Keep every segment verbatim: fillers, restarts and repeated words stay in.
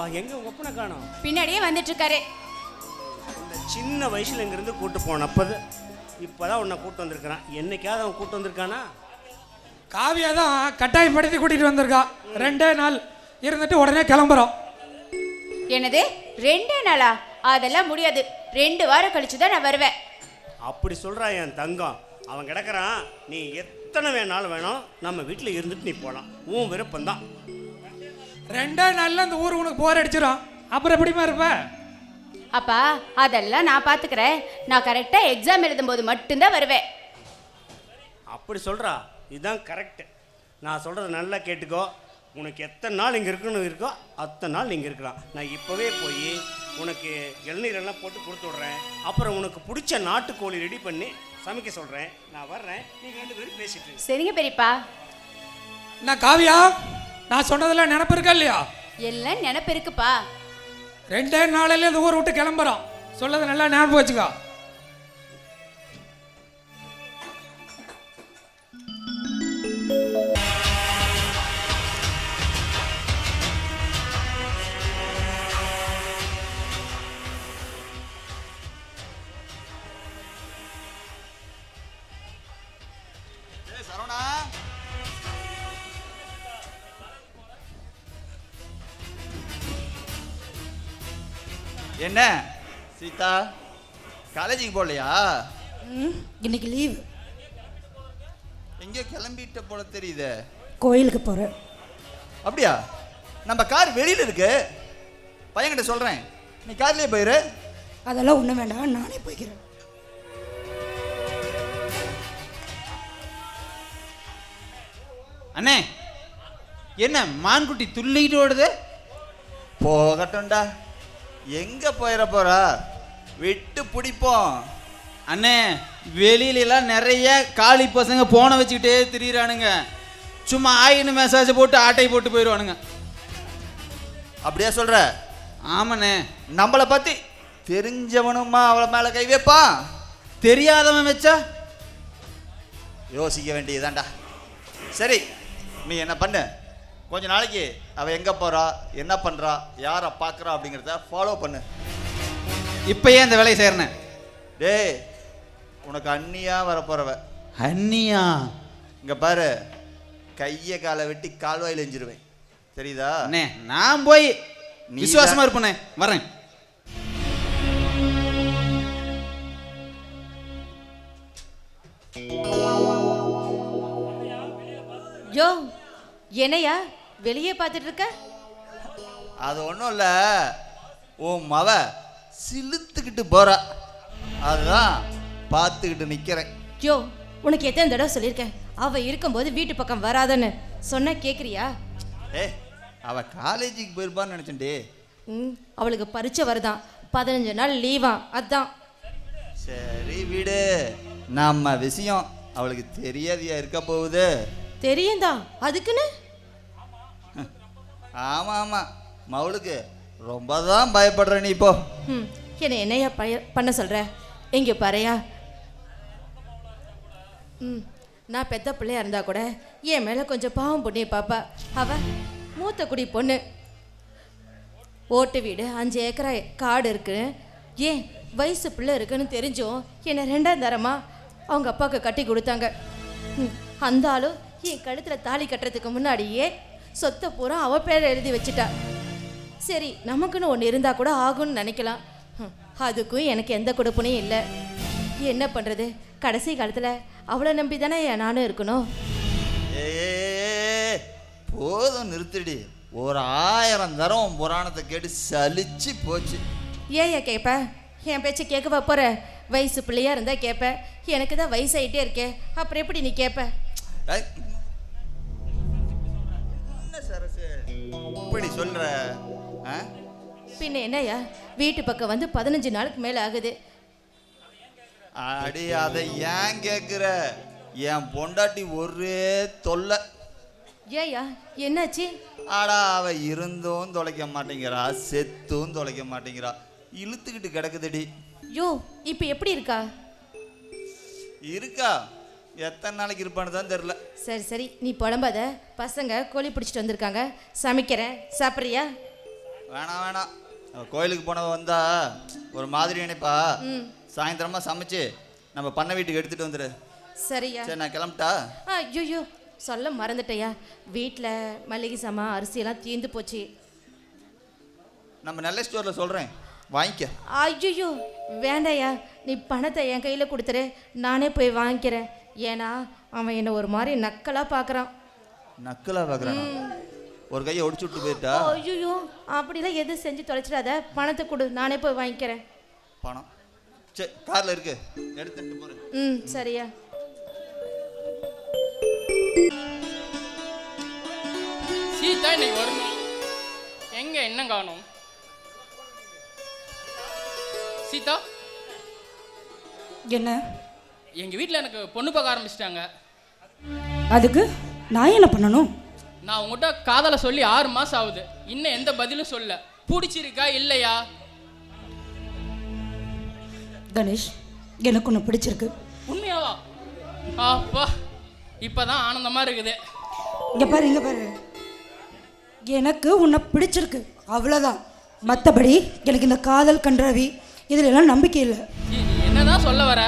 எங்க உங்க ஒப்பனை காணோம்? பின்னாடியே வந்துட்டு இருக்காரு. இந்த சின்ன வயசுல இங்க இருந்து கூட்டு போனப்பது இப்பதான் உன்னை கூட்டு வந்திருக்கிறான். என்னைக்காவது அவன் கூட்டு வந்திருக்கானா? காவியா தான் கட்டாயப்படுத்தி கூட்டிட்டு வந்திருக்கா. ரெண்டே நாள் இருந்துட்டு உடனே கிளம்புறோம். என்னது ரெண்டே நாளா? அதெல்லாம் முடியாது. ரெண்டு வாரம் கழிச்சு தான் நான் வருவேன். அப்படி சொல்றா என் தங்கம். அவன் கிடக்குறான். நீ எத்தனை வேணாலும் வேணும், நம்ம வீட்டில் இருந்துட்டு நீ போகலாம். உன் விருப்பம்தான். ரெண்டே நாள்ல இந்த ஊர் உனக்கு போர் அடிச்சிடும். அப்புறம் எப்படிமா இருப்ப? அப்பா அதெல்லாம் நான் பார்த்துக்கிறேன். நான் கரெக்டாக எக்ஸாம் எழுதும் போது மட்டும்தான் வருவேன். அப்படி சொல்கிறா. இதுதான் கரெக்டு. நான் சொல்கிறத நல்லா கேட்டுக்கோ. உனக்கு எத்தனை நாள் இங்கே இருக்கணும் இருக்கோ அத்தனை நாள் நீங்கள் இருக்கலாம். நான் இப்போவே போய் உனக்கு இளநீரெல்லாம் போட்டு கொடுத்து விட்றேன். அப்புறம் உனக்கு பிடிச்ச நாட்டுக்கோழி ரெடி பண்ணி சமைக்க சொல்கிறேன். நான் வர்றேன். நீங்கள் ரெண்டு பேரும் பேசிட்டு. சரிங்க பெரியப்பா. நான் காவியா, நான் சொன்னதெல்லாம் நினப்பு இருக்கா இல்லையா? எல்லாம் நினப்பு இருக்குப்பா. ரெண்டே நாளில இந்த ஊரை விட்டு கிளம்புறோம். சொல்லதை நல்லா ஞாபகம் வச்சுக்கோ. என்ன சீதா, காலேஜுக்கு போகலையா? இன்னைக்கு லீவ். எங்கேயோ கிளம்பிட்ட போல தெரியுது. கோயிலுக்கு போகிறேன். அப்படியா? நம்ம கார் வெளியில் இருக்கு. பையன்கிட்ட சொல்கிறேன், நீ கார்லேயே போயிரு. அதெல்லாம் ஒன்றும் வேண்டாம், நானே போய்க்கிறேன். அண்ணே, என்ன மான்குட்டி துள்ளிக்கிட்டு ஓடுது? போகட்டும்டா. எங்கே போயிட போறா? விட்டு பிடிப்போம். அண்ணே, வெளியிலலாம் நிறைய காளி பசங்க போனை வச்சுக்கிட்டே திரியிறானுங்க. சும்மா ஆயின்னு மெசேஜ் போட்டு ஆட்டை போட்டு போயிடுவானுங்க. அப்படியா சொல்ற? ஆமாண்ணே. நம்மளை பற்றி தெரிஞ்சவனுமா அவளை மேலே கை வைப்பான்? தெரியாதவன் வச்சா யோசிக்க வேண்டியதாண்டா. சரி, நீ என்ன பண்ணு, கொஞ்ச நாளைக்கு அவள் எங்கே போகிறா, என்ன பண்ணுறா, யாரை பார்க்குறா அப்படிங்கிறத ஃபாலோ பண்ணு. இப்போ ஏன் இந்த வேலையை செய்கிறேன்? டேய், உனக்கு அண்ணியா வரப்போறவ. அண்ணியா? இங்கே பாரு, கையை காலை வெட்டி கால்வாயில் எஞ்சிருவேன், தெரியுதா? அண்ணே, நான் போய் விசுவாசமாக இருப்பேனே, வரேன். யோ, என்னையா வெளியே பார்த்துட்டு இருக்க? அது ஒன்றும் இல்லை, உன் மவ சிலுத்துக்கிட்டு போறா, அதுதான் பார்த்துக்கிட்டு நிற்கிறேன். யோ, உனக்கு எத்தனை தடவை சொல்லியிருக்கேன் அவள் இருக்கும்போது வீட்டு பக்கம் வராதன்னு. சொன்ன கேட்குறியா? ஏ, அவள் காலேஜுக்கு போயிருப்பான்னு நினச்சேன்டி. ம், அவளுக்கு பரீட்சை வருதான், பதினஞ்சு நாள் லீவா, அதான். சரி விடு, நம்ம விஷயம் அவளுக்கு தெரியாதியா இருக்க போகுது. தெரியும்தா, அதுக்குன்னு. ஆமாம் ஆமாம், மவளுக்கு ரொம்ப தான் பயப்படுற நீ. இப்போ ம், என்னை என்னையா பய பண்ண சொல்கிற? எங்கே பாறையா? ம், நான் பெத்த பிள்ளையா இருந்தா கூட என் மேலே கொஞ்சம் பாவம் பொண்ணிய பாப்பா. அவ மூத்த குடி பொண்ணு. ஓட்டு வீடு, அஞ்சு ஏக்கரா காடு இருக்கு. ஏன் வயசு பிள்ளை இருக்குன்னு தெரிஞ்சும் என்னை ரெண்டாம் தரமா அவங்க அப்பாவுக்கு கட்டி கொடுத்தாங்க. ம், அந்த ஆளும் என் கழுத்தில் தாலி கட்டுறதுக்கு முன்னாடியே சொத்தை பூரா அவ பேரை எழுதி வச்சுட்டா. சரி, நமக்குன்னு ஒன்று இருந்தால் கூட ஆகும்னு நினைக்கலாம். அதுக்கும் எனக்கு எந்த கொடுப்புனையும் இல்லை. என்ன பண்ணுறது? கடைசி காலத்தில் அவளை நம்பி தானே நானும் இருக்கணும். ஏ போதும், நிறுத்திடி. ஒரு ஆயிரம் தரம் புராணத்தை கேட்டு சலிச்சு போச்சு. ஏயா கேட்ப? என் பேச்சை கேட்க வைப்போற? வயசு பிள்ளையா இருந்தா கேட்ப. எனக்கு தான் வயசாயிட்டே இருக்கே, அப்புறம் எப்படி நீ கேட்ப? என்ன சரசு இப்படி சொல்ற? பின்ன என்னையா, வீட்டு பக்கம் வந்து பதினஞ்சு நாளுக்கு மேலே ஆகுது. அடி, அதை ஏன் கேட்குற? என் பொண்டாட்டி ஒரே தொல்லை. ஏயா என்னாச்சு? ஆடா, அவ இருந்தும் தொலைக்க மாட்டேங்கிறா, செத்தும் தொலைக்க மாட்டேங்கிறா, இழுத்துக்கிட்டு கிடக்குதுடி. யோ, இப்போ எப்படி இருக்கா? இருக்கா, எத்தனை நாளைக்கு இருப்பான்னு தான் தெரில. சரி சரி, நீ புலம்பாத. பசங்க கோழி பிடிச்சிட்டு வந்திருக்காங்க, சமைக்கிறேன், சாப்பிட்றியா? வேணாம் வேணாம் அவ கோயிலுக்கு போனவ வந்தா ஒரு மாதிரி நினைப்பா. ம் சாயந்தரமா சமைச்சு நம்ம பண்ண வீட்டுக்கு எடுத்துட்டு வந்துரு. சரியா. சரி நான் கிளம்பிட்டா. ஆ ஐயோ சொல்ல மறந்துட்டேயா, வீட்டில் மளிகை சாமான் அரிசியெல்லாம் தீர்ந்து போச்சு. நம்ம நல்ல ஸ்டோரில் சொல்கிறேன், வாங்கிக்க. ஐயோ வேண்டாயா, நீ பணத்தை என் கையில் கொடுத்துரு, நானே போய் வாங்கிக்கிறேன். ஏன்னா அவன் என்னை ஒரு மாதிரி நக்கலாக பார்க்குறான். நக்கலாக பார்க்குறான்? ஒரு கையை ஒடிச்சு விட்டு போயிட்டா. ஐயோ அப்படிலாம் எதுவும் செஞ்சு தொலைச்சிடாத, பணத்தை கொடு, நானே போய் வாங்கிக்கிறேன். பணம் சரி காரில் இருக்கு, எடுத்துட்டு போகிறேன். ம் சரியா. சீதா இன்னைக்கு வரணும், எங்க என்ன காணும்? சீதா என்ன? எங்க வீட்டில் எனக்கு பொண்ணு பார்க்க ஆரம்பிச்சிட்டாங்க. அதுக்கு நான் என்ன பண்ணணும்? நான் உங்ககிட்ட காதலை சொல்லி ஆறு மாசம் ஆகுது, இன்னும் எந்த பதிலும் சொல்ல. பிடிச்சிருக்கா இல்லையா? கணேஷ், எனக்கு ஒன்று பிடிச்சிருக்கு. உண்மையாவா? அப்பா இப்பதான் ஆனந்தமா இருக்குது. இங்கே பாரு, இங்கே பாரு, எனக்கு உன்னை பிடிச்சிருக்கு, அவ்வளோதான். மற்றபடி எனக்கு இந்த காதல் கன்றாவி இதில் எல்லாம் நம்பிக்கை இல்லை. இ- என்னதான் சொல்ல வர?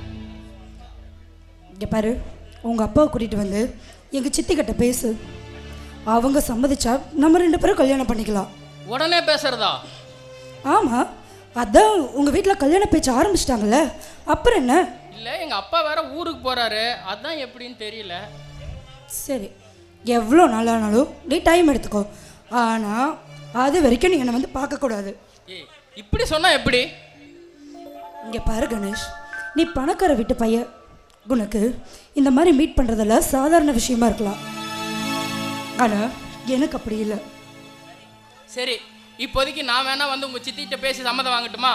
இங்கே பாரு, உங்கள் அப்பாவை கூட்டிகிட்டு வந்து எங்கள் சித்திக்கிட்ட பேசு. அவங்க சம்மதிச்சா நம்ம ரெண்டு பேரும் கல்யாணம் பண்ணிக்கலாம். உடனே பேசுறதா? ஆமாம், அதான் உங்கள் வீட்டில் கல்யாண பேச்சு ஆரம்பிச்சிட்டாங்கல்ல, அப்புறம் என்ன? இல்ல எங்க அப்பா வேற ஊருக்கு போறாரு, அதான் எப்படின்னு தெரியல. சரி, எவ்வளோ நாளானாலும் நீ டைம் எடுத்துக்கோ, ஆனால் அது வரைக்கும் நீ என்னை வந்து பார்க்கக்கூடாது. ஏய் இப்படி சொன்னா எப்படி? இங்கே பாரு கணேஷ், நீ பணக்கார வீட்டு பையன், உனக்கு இந்த மாதிரி மீட் பண்ணுறதெல்லாம் சாதாரண விஷயமா இருக்கலாம், ஆனால் எனக்கு அப்படி இல்லை. சரி இப்போதைக்கு நான் வேணா வந்து உங்க சித்திட்ட பேசி சம்மதம் வாங்கட்டுமா?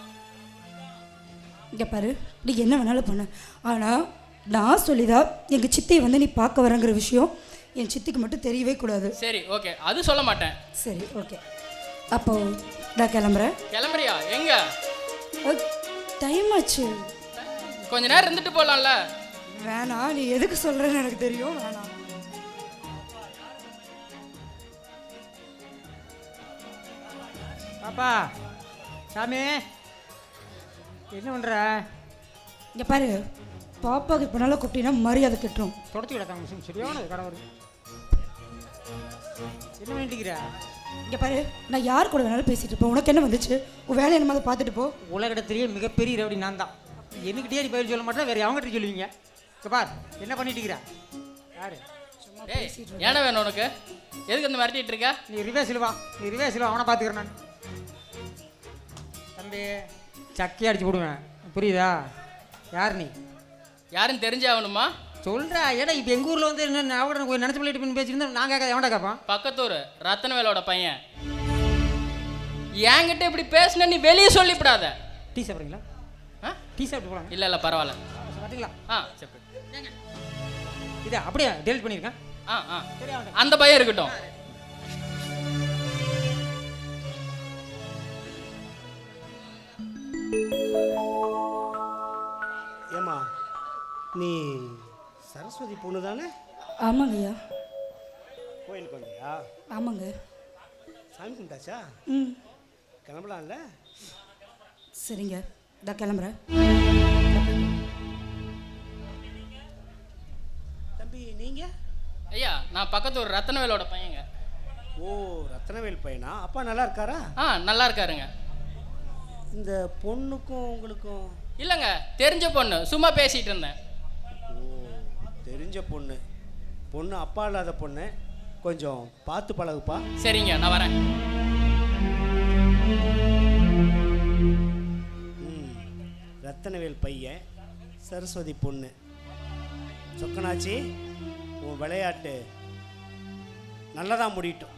இங்கே பாரு, நீ என்ன வேணாலும் பண்ணு, ஆனால் நான் சொல்லிதான் எங்கள் சித்தியை வந்து நீ பார்க்க வரங்கிற விஷயம் என் சித்திக்கு மட்டும் தெரியவே கூடாது. சரி ஓகே, அது சொல்ல மாட்டேன். சரி ஓகே, அப்போ நான் கிளம்புறேன். கிளம்புறியா? எங்க? டைம் ஆச்சு. கொஞ்ச நேரம் இருந்துட்டு போலாம்ல. வேணாம், நீ எதுக்கு சொல்கிறேன்னு எனக்கு தெரியும், வேணாம். பாப்பா சாமி என்ன பண்ணுற? இங்கே பாரு, பாப்பாவுக்கு இப்போ நல்லா கூப்பிட்டீங்கன்னா மரியாதை கட்டுரும். தொடச்சி கிடக்காங்க மிஷின் சரியான கடவுள். என்ன பண்ணிட்டுக்கிற? இங்கே பாரு, நான் யார் கூட வேணாலும் பேசிட்டு இருப்பேன், உனக்கு என்ன வந்துச்சு? உன் வேலையை என்னமாதிரி பார்த்துட்டு போ. உலகத்திலேயே மிகப்பெரிய ரவுடி நான் தான். என்கிட்டயே நீ பதில் சொல்ல மாட்டேன், வேறு அவங்ககிட்ட சொல்லுவீங்க. இங்கே பார் என்ன பண்ணிட்டுக்கிற? யாரு? ஏய் என்ன வேணும் உனக்கு? எதுக்கு இந்த மிரட்டிட்டு இருக்க? நீ ரிவேஸில் வா, நீ ரிவேஸில் வா, அவனை பார்த்துக்கிறேன் நான். தம்பி சக்கி அடிச்சு போடுவேன், புரியுதா? யார் நீ? யாருன்னு தெரிஞ்சாகணுமா? சொல்கிறா. ஏன்னா இப்போ எங்கள் ஊரில் வந்து என்ன அவட நினச்சி பிள்ளைட்டு பேசியிருந்தா நான் கேட்க எவன்டா கேட்பான்? பக்கத்தூர் ரத்தனவேலோட பையன். என்கிட்ட இப்படி பேசுன நீ வெளியே சொல்லிவிடாத. டீ சாப்பிட்றீங்களா? ஆ டீ சாப்பிட்டு போகலாம். இல்லை இல்லை பரவாயில்ல. பார்த்தீங்களா? ஆ சரி. இதை அப்படியே டெலிட் பண்ணியிருக்கேன். ஆ ஆ அந்த பையன் இருக்கட்டும். ஏமா நீ சரஸ்வதி பொண்ணு தானே? ஆமாங்க ஐயா. கோயிலுக்கு வந்தியா? ஆமாங்க. சாமி கும்பிட்டாச்சா? ம் கிளம்பலாம்ல? சரிங்க, நான் கிளம்புறேன். தம்பி நீங்க? ஐயா நான் பக்கத்தூர் ரத்தனவேலோட பையங்க. ஓ ரத்னவேல் பையனா? அப்பா நல்லா இருக்காரா? ஆ நல்லா இருக்காருங்க. இந்த பொண்ணுக்கும் உங்களுக்கும்? இல்லைங்க தெரிஞ்ச பொண்ணு, சும்மா பேசிகிட்டு இருந்தேன். ஓ தெரிஞ்ச பொண்ணு. பொண்ணு அப்பா இல்லாத பொண்ணு, கொஞ்சம் பார்த்து பழகுப்பா. சரிங்க நான் வரேன். ம் ரத்தனவேல் பையன், சரஸ்வதி பொண்ணு. சொக்கனாச்சி உன் விளையாட்டு நல்லதாக முடியட்டும்.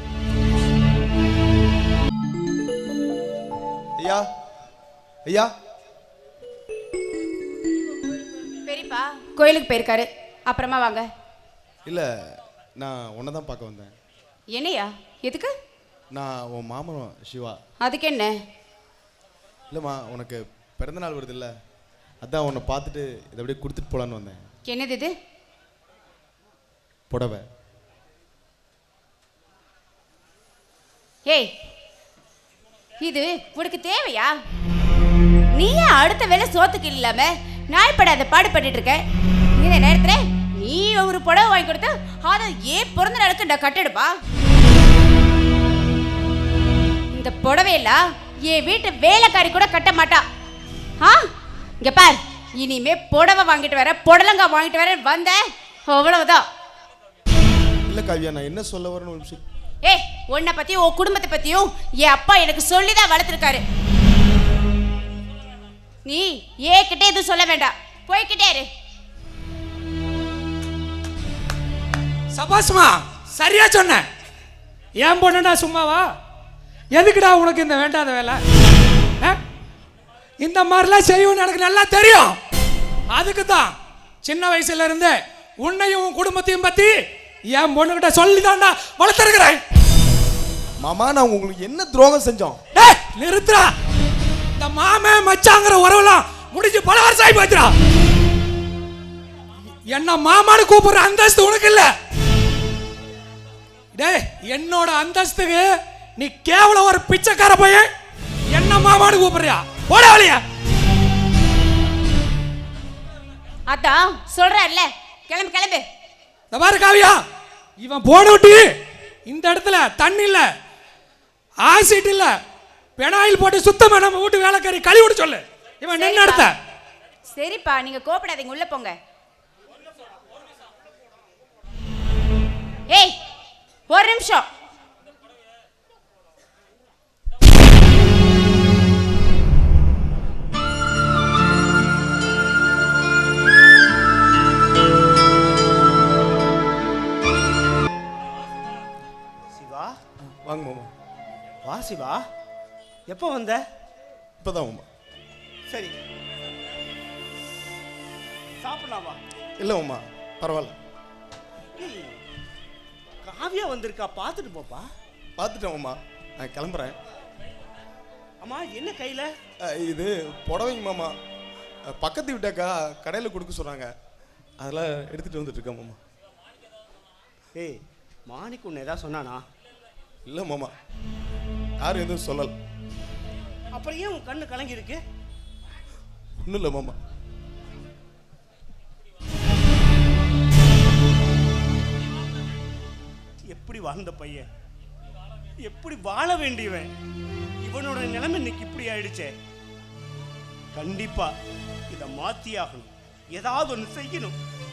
ஐயா ஐயா பெரியப்பா கோயிலுக்கு போயிருக்காரு, அப்புறமா வாங்க. இல்லை, நான் உன்னை தான் பார்க்க வந்தேன். என்னையா? எதுக்கு? நான் உன் மாமன் சிவா. அதுக்கு என்ன? இல்லைம்மா, உனக்கு பிறந்தநாள் வருது இல்லை, அதான் உன்னை பார்த்துட்டு இதை அப்படியே கொடுத்துட்டு போகலான்னு வந்தேன். என்னது இது? புடவை. ஏய் இது உனக்கு தேவையா? நீ ஏன் அடுத்த வேலை சோத்துக்கு இல்லாம நாய்ப்படாத பாடுபட்டு இருக்க? இந்த நேரத்துல நீ ஒரு புடவை வாங்கி கொடுத்து அதை ஏன் பிறந்த நாளுக்கு நான் கட்டெடுப்பா? இந்த புடவையெல்லாம் என் வீட்டு வேலைக்காரி கூட கட்ட மாட்டா. ஆ இங்க பார், இனிமே புடவை வாங்கிட்டு வர புடலங்கா வாங்கிட்டு வர வந்த அவ்வளவுதான். இல்ல காவியா, நான் என்ன சொல்ல வரேன்னு ஒரு நிமிஷம். ஏய், உன்னை பத்தியும் உன் குடும்பத்தை பத்தியும் என் அப்பா எனக்கு சொல்லிதான் வளர்த்துருக்காரு. நீ ஏகிட்டே எதுவும் சொல்ல வேண்டாம், போய்கிட்டே இரு. சபாஸ்மா, சரியா சொன்ன. ஏன் பொண்ணுடா சும்மாவா? எதுக்குடா உனக்கு இந்த வேண்டாத வேலை? இந்த மாதிரிலாம் செய்யும் எனக்கு நல்லா தெரியும். அதுக்கு தான் சின்ன வயசுல இருந்து உன்னையும் உன் குடும்பத்தையும் பத்தி என் பொண்ணுகிட்ட சொல்லி தான்டா வளர்த்துருக்கிறேன். மாமா, நான் உங்களுக்கு என்ன துரோகம் செஞ்சோம்? டேய் நிறுத்துடா. இந்த மாமே மச்சாங்கிற உறவுலாம் முடிஞ்சு பல வருஷம் ஆகி போச்சுடா. என்ன மாமான்னு கூப்பிடுற அந்தஸ்து உனக்கு இல்ல. டேய், என்னோட அந்தஸ்துக்கு நீ கேவலம் ஒரு பிச்சைக்கார பையன் என்ன மாமான்னு கூப்பிடுறியா? போட வழியா. அதான் சொல்றல்ல, கிளம்பு கிளம்பு. இந்த பாரு காவியா, இவன் போன விட்டு இந்த இடத்துல தண்ணி இல்ல, ஆசிட் இல்ல, பெனாயில் போட்டு சுத்தமா நம்ம வீட்டு வேலைக்காரி கழுவி விட சொல்லு. இவன் நின்ன இடத்த. சரிப்பா, நீங்க கோபப்படாதீங்க, உள்ள போங்க. ஏய், ஒரு நிமிஷம். சிவா, வாங்க மாமா. வா சிவா. எப்போ வந்த? இப்பதான் மாமா. சரி, சாப்பிடலாமா? இல்ல மாமா, பரவாயில்ல. ஏய், காவியா வந்திருக்கா, பார்த்துட்டு போப்பா. பார்த்துட்டேன் மாமா, நான் கிளம்புறேன். அம்மா, என்ன கையில? அஹ், இது புடவைங்க மாமா. அஹ், பக்கத்து வீட்டாக்கா கடையில் கொடுக்க சொன்னாங்க, அதெல்லாம் எடுத்துட்டு வந்துட்டு இருக்கேன் மாமா. ஏய், மாணிக்கு உன்னை ஏதாவது சொன்னானா? இல்லை மாமா, யாரும் எதுவும் சொல்லலை. அப்புறம் ஏன் உன் கண்ணு கலங்கி இருக்கு? ஒன்றும் இல்லை மாமா. எப்படி வாழ்ந்த பையன், எப்படி வாழ வேண்டியவன், இவனோட நிலைமை இன்னைக்கு இப்படி ஆயிடுச்சே. கண்டிப்பா இதை மாத்தி ஆகணும், ஏதாவது ஒன்று செய்யணும்.